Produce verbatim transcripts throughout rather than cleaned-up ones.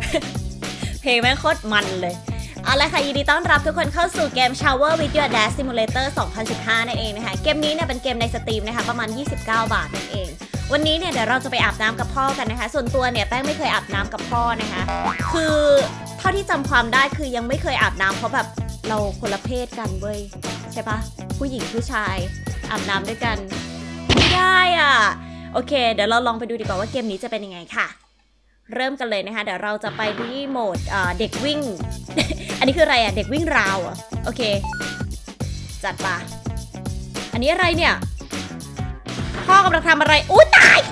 เพลงแม่งโคตรมันเลยเอาละค่ะยินดีต้อนรับทุกคนเข้าสู่เกม Shower with Your Dad Simulator สองพันสิบห้านั่นเองนะคะเกมนี้เนี่ยเป็นเกมในสตรีมนะคะประมาณยี่สิบเก้าบาทนั่นเองวันนี้เนี่ยเดี๋ยวเราจะไปอาบน้ำกับพ่อกันนะคะส่วนตัวเนี่ยแป้งไม่เคยอาบน้ำกับพ่อนะคะคือเท่าที่จำความได้คือยังไม่เคยอาบน้ำเพราะแบบเราคนละเพศกันเว้ยใช่ปะผู้หญิงผู้ชายอาบน้ำด้วยกันไม่ได้อ่ะโอเคเดี๋ยวเราลองไปดูดีกว่าว่าเกมนี้จะเป็นยังไงค่ะเริ่มกันเลยนะคะเดี๋ยวเราจะไปที่โหมดเด็กวิ่ง อันนี้คืออะไรอ่ะเด็กวิ่งราวอ่ะโอเคจัดปะอันนี้อะไรเนี่ยพ่อกำลังทำอะไรอู้ตาย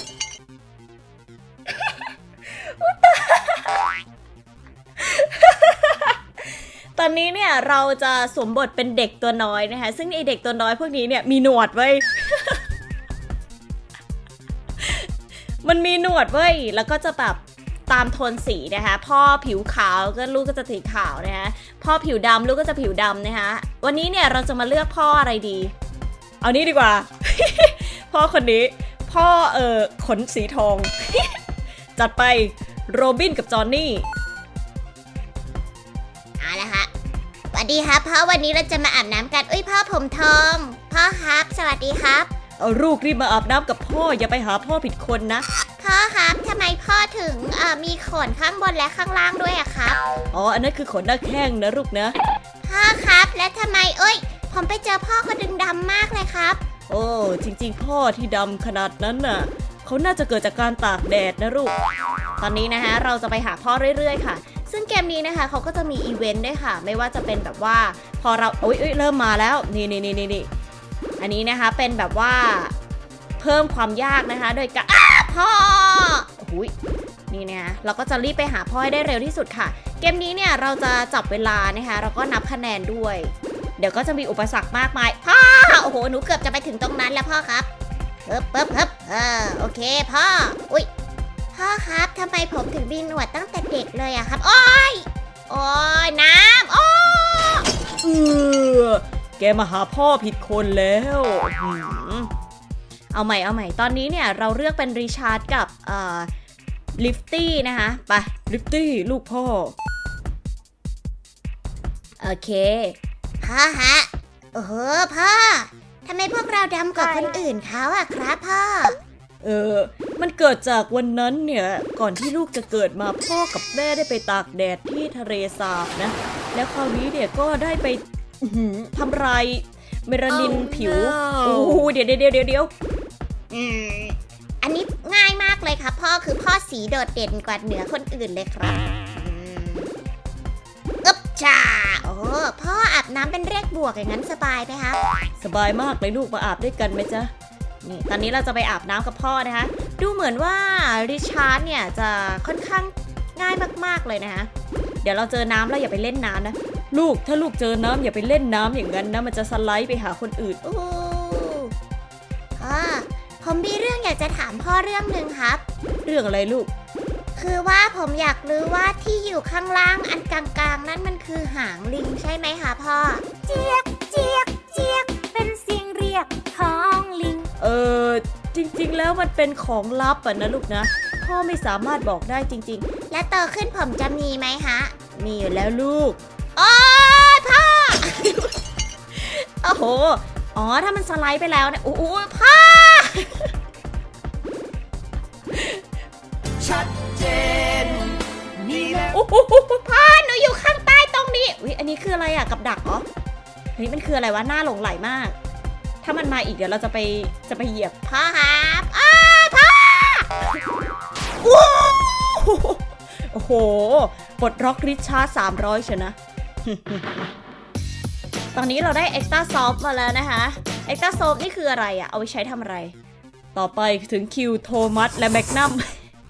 อู้ตายตอนนี้เนี่ยเราจะสวมบทเป็นเด็กตัวน้อยนะคะซึ่งไอเด็กตัวน้อยพวกนี้เนี่ยมีหนวดไว้ มันมีหนวดเว้ยแล้วก็จะแบบตามโทนสีนะคะพ่อผิวขาวก็ลูกก็จะสีขาวนะคะพ่อผิวดำลูกก็จะผิวดำนะคะวันนี้เนี่ยเราจะมาเลือกพ่ออะไรดีเอานี้ดีกว่า พ่อคนนี้พ่อเอ่อขนสีทอง จัดไปโรบินกับจอห์นนี่เอาละค่ะสวัสดีครับพ่อวันนี้เราจะมาอาบน้ำกันอุ้ยพ่อผมทองพ่อครับสวัสดีครับเอาลูกรีบมาอาบน้ำกับพ่ออย่าไปหาพ่อผิดคนนะพ่อครับทำไมพ่อถึงเอ่อมีขนข้างบนและข้างล่างด้วยอะครับอ๋ออันนั้นคือขนหน้าแข้งนะลูกนะพ่อครับและทำไมเอ้ยผมไปเจอพ่อคนดึงดำมากเลยครับโอ้จริงๆพ่อที่ดำขนาดนั้นน่ะเขาน่าจะเกิดจากการตากแดดนะลูกตอนนี้นะคะเราจะไปหาพ่อเรื่อยๆค่ะซึ่งเกมนี้นะคะเขาก็จะมีอีเวนต์ด้วยค่ะไม่ว่าจะเป็นแบบว่าพอเราโอ๊ยเริ่มมาแล้วนี่นี่นี่นี่อันนี้นะคะเป็นแบบว่าเพิ่มความยากนะคะโดยการพ่อโอ้ยนี่นะคะเราก็จะรีบไปหาพ่อให้ได้เร็วที่สุดค่ะเกมนี้เนี่ยเราจะจับเวลานะคะเราก็นับคะแนนด้วยเดี๋ยวก็จะมีอุปสรรคมากมายพ่อโอ้โหหนูเกือบจะไปถึงตรงนั้นแล้วพ่อครับเฮิบเฮิบเฮิบเออโอเคพ่ออุ้ยพ่อครับทำไมผมถึงมีหนวดตั้งแต่เด็กเลยอะครับโอ้ยโอ้ยน้ำโอ้เออแกมาหาพ่อผิดคนแล้วเอาใหม่เอาใหม่ตอนนี้เนี่ยเราเลือกเป็นริชาร์ดกับเอ่อลิฟตี้นะคะไปลิฟตี้ลูกพ่อโอเคพ่อฮะโอ้โหพ่อทำไมพวกเราดำกว่าคนอื่นเขาอะครับพ่อเออมันเกิดจากวันนั้นเนี่ยก่อนที่ลูกจะเกิดมาพ่อกับแม่ได้ไปตากแดดที่ทะเลสาบนะแล้วคราวนี้เนี่ยก็ได้ไปทำลายเมลานิน oh, ผิว no. โอ้เดี๋ยวเดี๋ยวเดี๋ยวเดี๋ยวอืมอันนี้ง่ายมากเลยครับพ่อคือพ่อสีโดดเด่นกว่าเหนือคนอื่นเลยครับอึ๊บจ้าโอ้พ่ออาบน้ำเป็นเลขบวกอย่างนั้นสบายไหมครับสบายมากเลยลูกมาอาบด้วยกันไหมจ๊ะนี่ตอนนี้เราจะไปอาบน้ำกับพ่อนะคะดูเหมือนว่าริชาร์ดเนี่ยจะค่อนข้างง่ายมากๆเลยนะคะเดี๋ยวเราเจอน้ำแล้วอย่าไปเล่นน้ำนะลูกถ้าลูกเจอน้ำอย่าไปเล่นน้ำอย่างนั้นนะมันจะสไลด์ไปหาคนอื่นโอ้พ่อผมมีเรื่องอยากจะถามพ่อเรื่องหนึ่งครับเรื่องอะไรลูกคือว่าผมอยากรู้ว่าที่อยู่ข้างล่างอันกลางๆนั่นมันคือหางลิงใช่ไหมคะพ่อเจี๊ยกเจี๊ยกเจี๊ยกเป็นเสียงเรียกของลิงเออจริงๆแล้วมันเป็นของลับอ่ะนะลูกนะพ่อไม่สามารถบอกได้จริงๆและโตขึ้นผมจะมีไหมฮะมีอยู่แล้วลูกโอ้ยพ่อโอ้โหอ๋อถ้ามันสไลด์ไปแล้วเนี่ยโอ้โหพ่อชัดเจนนี่แหละโอ้โหพ่อหนูอยู่ข้างใต้ตรงนี้อุ๊ยอันนี้คืออะไรอ่ะกับดักเหรอเฮ้ยมันคืออะไรวะหน้าหลงไหลมากถ้ามันมาอีกเดี๋ยวเราจะไปจะไปเหยียบพ่อครับอ้าพ่อโอ้โหปลดล็อกริชาร์ดสามร้อยเชียวนะ ตอนนี้เราได้เอ็กซ์ตร้าซอฟมาแล้วนะคะเอ็กซ์ตร้าซอฟนี่คืออะไรอะเอาไว้ใช้ทำอะไรต่อไปถึงคิวโทมัสและแมกนัม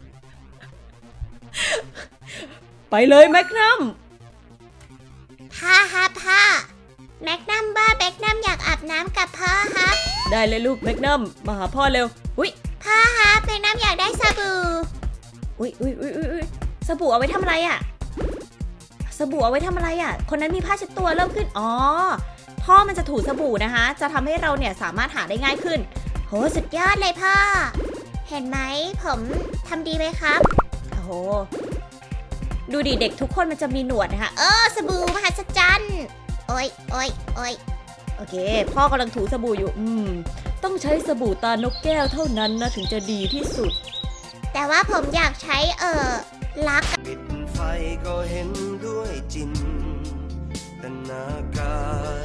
ไปเลยแมกนัมพ่อครับพ่อแมกนัมบ้าแมกนัมอยากอาบน้ำกับพ่อครับได้เลยลูกแมกนัมมาหาพ่อเร็วอุ้ยพ่อครับแมกนัมอยากได้สบู่อุ้ยอุ้ยอุ้ยอุ้ยสบู่เอาไว้ทำอะไรอะสบู่เอาไว้ทำอะไรอ่ะคนนั้นมีผ้าเช็ดตัวเริ่มขึ้นอ๋อพ่อมันจะถูสบู่นะคะจะทำให้เราเนี่ยสามารถหาได้ง่ายขึ้นโหสุดยอดเลยพ่อเห็นไหมผมทำดีไหมครับโอ้โหดูดิเด็กทุกคนมันจะมีหนวดนะคะเออสบู่มหัศจรรย์โอ้ยโอ้ยโอ้ยโอเค พ่อกำลังถูสบู่อยู่ อืม ต้องใช้สบู่ตานกแก้วเท่านั้นนะถึงจะดีที่สุดแต่ว่าผมอยากใช้เออลักปิดไฟก็เห็นด้วยจินตนาการ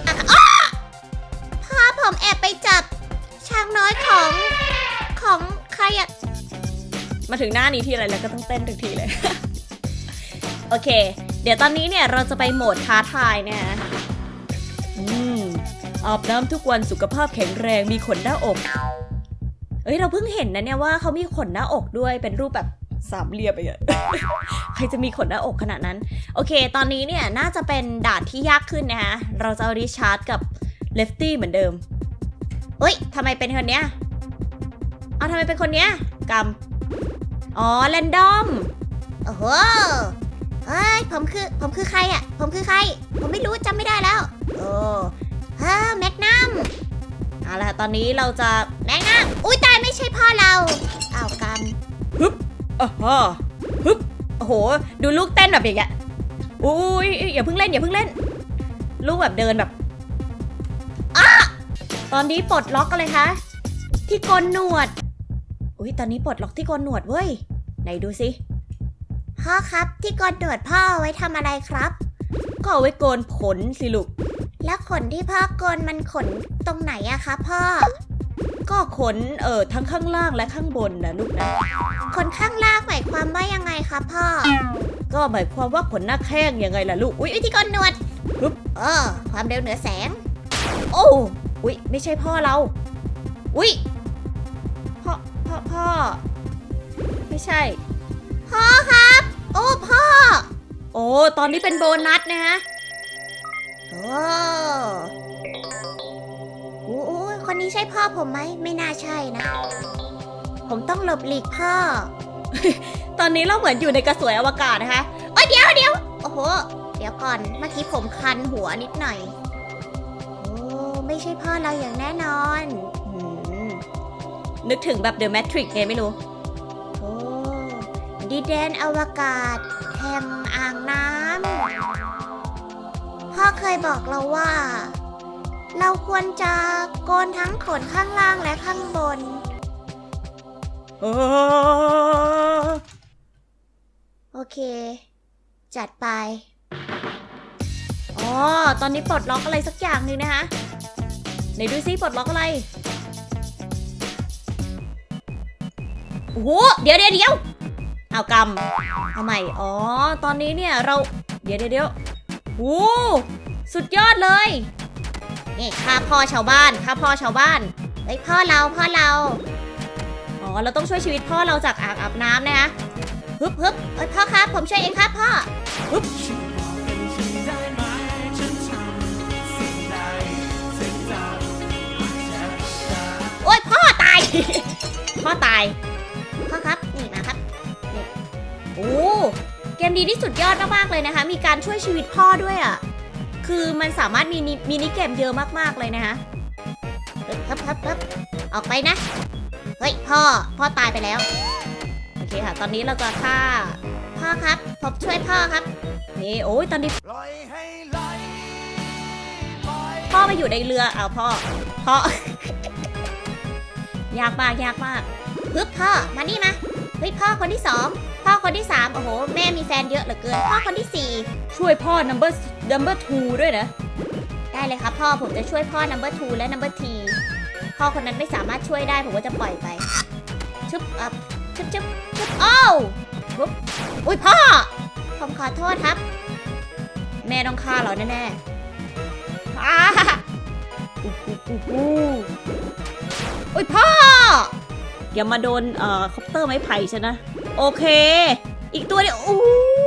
พ่อผมแอบไปจับช้างน้อยของของใครอะมาถึงหน้านี้ที่อะไรแล้วก็ต้องเต้นทุกทีเลย โอเค เดี๋ยวตอนนี้เนี่ยเราจะไปโหมดท้าทายนะฮะอืมอาบน้ำทุกวันสุขภาพแข็งแรงมีขนหน้าอก เอ้ยเราเพิ่งเห็นนะเนี่ยว่าเขามีขนหน้าอกด้วยเป็นรูปแบบสามเหลี่ยมไปอะ ใครจะมีขนหน้าอกขนาดนั้น โอเค ตอนนี้เนี่ยน่าจะเป็นด่านที่ยากขึ้นนะฮะเราจะเอาริชาร์ดกับเลฟตี้เหมือนเดิมเอ้ยทำไมเป็นคนเนี้ยเอาทำไมเป็นคนเนี้ยกำอ๋อแรนดอมโอ้โหเฮ้ยผมคือผมคือใครอะผมคือใคร ผมไม่รู้จำไม่ได้แล้วโอ้เฮ้แมกนัมเอาล่ะตอนนี้เราจะแมกนัมอุ้ยตายไม่ใช่พ่อเราอ้าวกรรมฮึบอ๋อฮึบโอ้โหดูลูกเต้นแบบอย่างเงี้ยอุ้ยอย่าเพิ่งเล่นอย่าเพิ่งเล่น ลูกแบบเดินแบบอ้าตอนนี้ปลดล็อกอะไรคะที่โกนหนวดอุ้ยตอนนี้ปลดล็อกที่โกนหนวดเว้ยไหนดูสิพ่อครับที่กอนหนวดพ่อไว้ทำอะไรครับก็เอาไว้โกนขนสิลูกแล้วขนที่พ่อโกนมันขนตรงไหนอะคะพ่อก็ขนเอ่อทั้งข้างล่างและข้างบนนะลูกนะขนข้างล่างหมายความว่ายังไงคะพ่อก็หมายความว่าขนหน้าแข้งยังไงล่ะลูกอุ้ยวิธีกอนหนวดปึ๊บเออความเร็วเหนือแสงโอ้อุ้ยไม่ใช่พ่อเราอุ้ยพ่อพ่อพ่อไม่ใช่พ่อครับ โอ้พ่อโอ้ตอนนี้เป็นโบนัสนะฮะโอ้โอ้โอ้คนนี้ใช่พ่อผมไหมไม่น่าใช่นะ ผมต้องหลบหลีกพ่อตอนนี้เราเหมือนอยู่ในกระสวยอวกาศนะคะโอ้ยเดี๋ยวเดี๋ยวโอ้โหเดี๋ยวก่อนเมื่อกี้ผมคันหัวนิดหน่อยโอ้ไม่ใช่พ่อเราอย่างแน่นอนอืมนึกถึงแบบ The Matrix ไงไม่รู้โอ้ดินแดนอวกาศแห่งอ่างน้ำพ่อเคยบอกเราว่า เราควรจะโกนทั้งขนข้างล่างและข้างบนเออโอเค จัดไปอ๋อ ตอนนี้ปลดล็อกอะไรสักอย่างหนึ่งนะคะไหนดูซิปลดล็อกอะไร โอ้โห เดี๋ยวเดี๋ยวเดี๋ยวเอากำเอาใหม่ อ๋อ ตอนนี้เนี่ยเรา เดี๋ยวเดี๋ยวเดี๋ยวโอ้สุดยอดเลยนี่ข้าพ่อชาวบ้านข้าพ่อชาวบ้านเฮ้ยพ่อเราพ่อเราอ๋อ เราต้องช่วยชีวิตพ่อเราจากอ่างอาบน้ำนะคะฮึบฮึบเอ้ยพ่อครับผมช่วยเองครับพ่อฮึบโอ้ยพ่อตายพ่อตายพ่อครับนี่มาครับโอ้ เกมนี้นี่สุดยอดมากๆเลยนะคะ มีการช่วยชีวิตพ่อด้วยอ่ะ คือมันสามารถมีมินิเกมเยอะมากๆเลยนะคะเฮ้ยครับครับครับออกไปนะ เฮ้ยพ่อพ่อตายไปแล้วโอเคค่ะ ตอนนี้เราจะฆ่าพ่อครับผมช่วยพ่อครับนี่โอ้ยตอนนี้ปล่อยให้ไหลไปพ่อไปอยู่ในเรือเอาวพ่อ พ่อ ยากมากยากมากฮึบพ่อมานี่มาเฮ้ยพ่อคนที่สองพ่อคนที่สามโอ้โหแม่มีแฟนเยอะเหลือเกินพ่อคนที่สี่ช่วยพ่อ number number two ด้วยนะได้เลยครับพ่อผมจะช่วยพ่อ number two และ number three พ่อคนนั้นไม่สามารถช่วยได้ผมก็จะปล่อยไปชุบอับชุบชุบชุบโอ้วปุ๊บอุ้ยพ่อผมขอโทษครับแม่ต้องฆ่าเราแน่ๆอ้าอู้หูอู้หูอุ้ยพ่อ อย่ามาโดนเอ่อคอปเตอร์ไม้ไผ่ฉันนะ โอเค อีกตัวเดียวอู้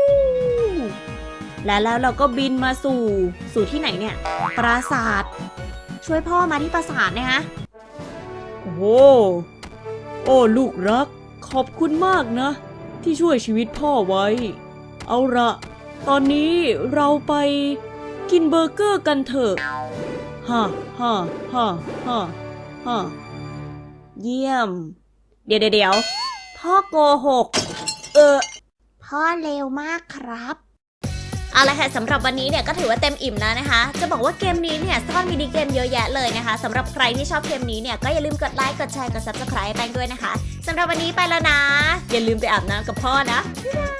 และแล้วเราก็บินมาสู่สู่ที่ไหนเนี่ย ปราสาท ช่วยพ่อมาที่ปราสาทนะฮะ โอ้โห โอ้ลูกรัก ขอบคุณมากนะ ที่ช่วยชีวิตพ่อไว้ เอาละตอนนี้เราไปกินเบอร์เกอร์กันเถอะฮ่าฮ่าฮ่าฮ่าฮ่าเยี่ยม เดี๋ยวเดี๋ยวพ่อโกหก เออพ่พ่อเร็วมากครับเอาละค่ะสำหรับวันนี้เนี่ยก็ถือว่าเต็มอิ่มแล้วนะคะ จะบอกว่าเกมนี้เนี่ยซ่อนมินิเกมเยอะแยะเลยนะคะสำหรับใครที่ชอบเกมนี้เนี่ยก็อย่าลืมกดไลค์กดแชร์กด ซับสไครบ์ แป้งด้วยนะคะสำหรับวันนี้ไปแล้วนะ อย่าลืมไปอาบน้ำกับพ่อนะบ๊ายบาย